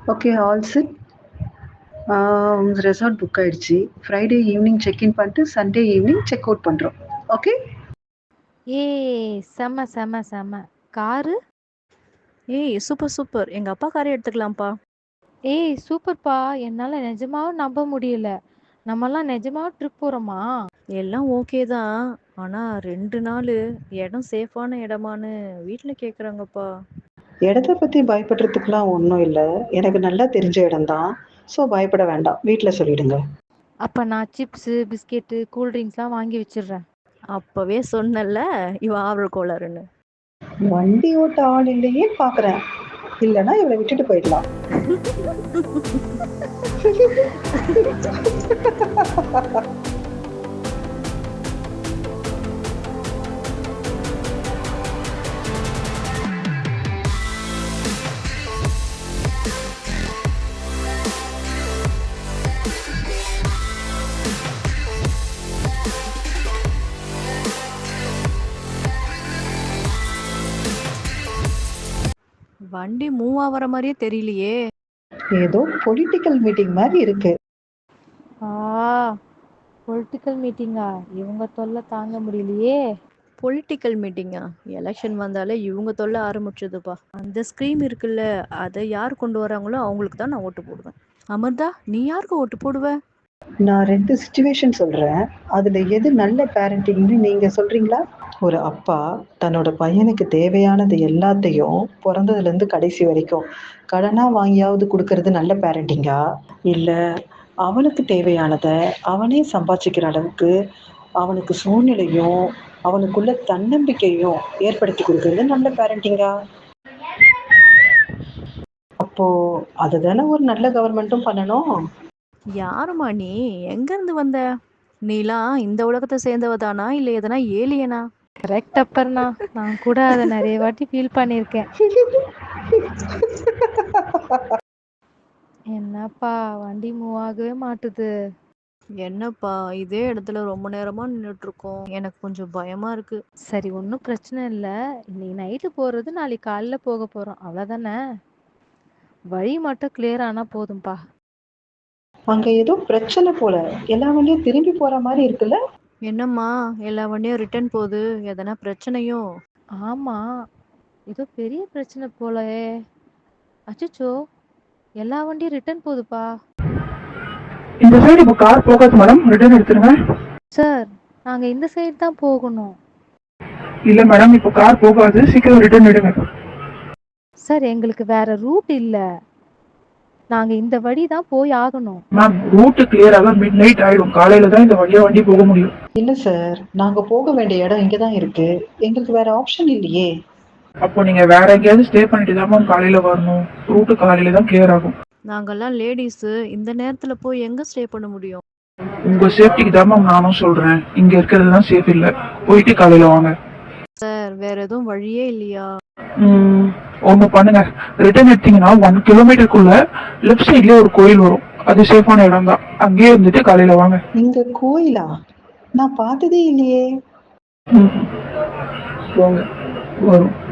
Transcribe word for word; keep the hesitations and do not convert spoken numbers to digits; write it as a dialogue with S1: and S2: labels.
S1: Okay, all set. உங்கள் resort book ஆயிடுச்சு. Friday evening check in பண்ணிட்டு சண்டே ஈவினிங் செக் அவுட் பண்ணுறோம். ஓகே.
S2: ஏய் செம செம செம. காரு?
S3: ஏய் சூப்பர் சூப்பர், எங்க அப்பா காரே எடுத்துக்கலாம்ப்பா.
S2: ஏய் சூப்பர்ப்பா. என்னால நிஜமாவே நம்ப முடியல. நம்மலாம் நிஜமாவே ட்ரிப் போறோமா?
S3: எல்லாம் ஓகே தான், ஆனா ரெண்டு நாள் இடம் சேஃபான இடமான்னு வீட்ல கேக்குறாங்கப்பா.
S1: இடத்த பற்றி பயப்படுறதுக்குலாம் ஒன்றும் இல்லை. எனக்கு நல்லா தெரிஞ்ச இடம்தான். ஸோ பயப்பட வேண்டாம், வீட்டில் சொல்லிடுங்க.
S2: அப்ப நான் சிப்ஸு பிஸ்கெட்டு கூல் ட்ரிங்க்ஸ்லாம் வாங்கி வச்சிடுறேன்.
S3: அப்பவே சொன்னல இவ ஆவல் கோளாறுன்னு.
S1: வண்டி ஓட்ட ஆள் இல்லையே பார்க்குறேன். இல்லைன்னா இவளை விட்டுட்டு போயிடலாம்.
S3: வண்டி மூவ் ஆகிற மாதிரியே தெரியலையே.
S1: ஏதோ பொலிட்டிக்கல் மீட்டிங் மாதிரி இருக்கு.
S2: ஆ பொலிட்டிக்கல் மீட்டிங்கா? இவங்க தொல்லை தாங்க முடியலையே.
S3: பொலிட்டிக்கல் மீட்டிங்கா? எலெக்ஷன் வந்தாலே இவங்க தொல்லை ஆரம்பிச்சதுப்பா. அந்த ஸ்கீம் இருக்குல்ல, அதை யார் கொண்டு வராங்களோ அவங்களுக்கு தான் நான் ஓட்டு போடுவேன். அமிர்தா, நீ யாருக்கு ஓட்டு போடுவ?
S1: நான் ரெண்டு சுச்சுவேஷன் சொல்றேன். அதுல எது நல்ல பேரண்டிங்னு நீங்க சொல்றீங்களா? ஒரு அப்பா தன்னோட பையனுக்கு தேவையானது எல்லாத்தையும் பிறந்ததுல இருந்து கடைசி வரைக்கும் கடனா வாங்கியாவது கொடுக்கறது நல்ல பேரண்டிங்கா? இல்ல அவனுக்கு தேவையானத அவனே சம்பாதிச்சுக்கிற அளவுக்கு அவனுக்கு சூழ்நிலையும் அவனுக்குள்ள தன்னம்பிக்கையும் ஏற்படுத்தி கொடுக்கறது நல்ல பேரண்டிங்கா? அப்போ அதுதானே ஒரு நல்ல கவர்மெண்ட்டும் பண்ணணும்.
S3: யாருமா நீ? எங்க இருந்து வந்த? நீலாம் இந்த உலகத்தை சேர்ந்தவ தானா, இல்ல எதனா ஏலியனா?
S2: கரெக்ட் அப்பர்னா. நான் கூட அதை நிறைய வாட்டி ஃபீல் பண்ணியிருக்கேன். என்னப்பா வண்டி மூவ் ஆகவே மாட்டுது.
S3: என்னப்பா இதே இடத்துல ரொம்ப நேரமா நின்றுட்டு இருக்கோம், எனக்கு கொஞ்சம் பயமா இருக்கு.
S2: சரி, ஒன்றும் பிரச்சனை இல்லை. இன்னைக்கு நைட்டு போகிறது நாளைக்கு காலைல போக போகிறோம், அவ்வளோதானே. வழி மட்டும் கிளியர் ஆனால் போதும்பா.
S1: அங்க ஏதோ பிரச்சனை போல, எல்லா வண்டியும் திரும்பி போற மாதிரி இருக்குல்ல.
S3: என்னம்மா எல்லா வண்டியும் ரிட்டர்ன் போகுது, எதனா பிரச்சனையோ?
S2: ஆமாம், ஏதோ பெரிய பிரச்சனை போலயே. அச்சச்சோ, எல்லா வண்டியும் ரிட்டர்ன் போகுதுப்பா.
S4: இந்த சைடு இப்போ கார் போகாது மேடம், ரிட்டர்ன் எடுத்துருங்க.
S2: சார், நாங்கள் இந்த சைடு தான் போகணும்.
S4: இல்ல மேடம், இப்போ கார் போகாது, சீக்கிரம் ரிட்டர்ன் எடுங்க.
S2: சார், எங்களுக்கு வேற ரூட் இல்லை. நாங்கள் இந்த வழி தான் போய் ஆகணும்.
S4: மேம், ரூட் கிளியர் ஆக மிட் நைட் ஆயிடும். காலையில தான் இந்த வழியா வண்டி போக முடியும்.
S1: இல்ல சார், நாங்க போக வேண்டிய இடம் இங்கதான் இருக்கு. எங்களுக்கு வேற ஆப்ஷன் இல்லையே.
S4: அப்போ நீங்க வேற எங்கேயாவது ஸ்டே பண்ணிட்டு தான் மேம் காலையில வரணும். ரூட் காலையில தான் கிளியர் ஆகும்.
S3: நாங்கெல்லாம் லேடிஸ் இந்த நேரத்துல போய் எங்க ஸ்டே பண்ண முடியும்?
S4: உங்க சேஃப்டிக்கு தான் மேம் நானும் சொல்றேன். இங்க இருக்கிறது தான் சேஃப் இல்ல, போயிட்டு காலையில வாங்க.
S3: சார், வேற எதுவும் வழியே இல்லையா?
S4: ம் ஒண்ணு பண்ணுங்க, ரிட்டர்ன் எடுத்தீங்கன்னா ஒன் கிலோமீட்டருக்குள்ள லெஃப்ட் சைட்லயே ஒரு கோயில் வரும். அது சேஃபான இடம் தான், அங்கேயே இருந்துட்டு காலையில வாங்க.
S1: இங்க கோயிலா? நான் பார்த்ததே இல்லையே.
S4: ம் வாங்க, வரும்.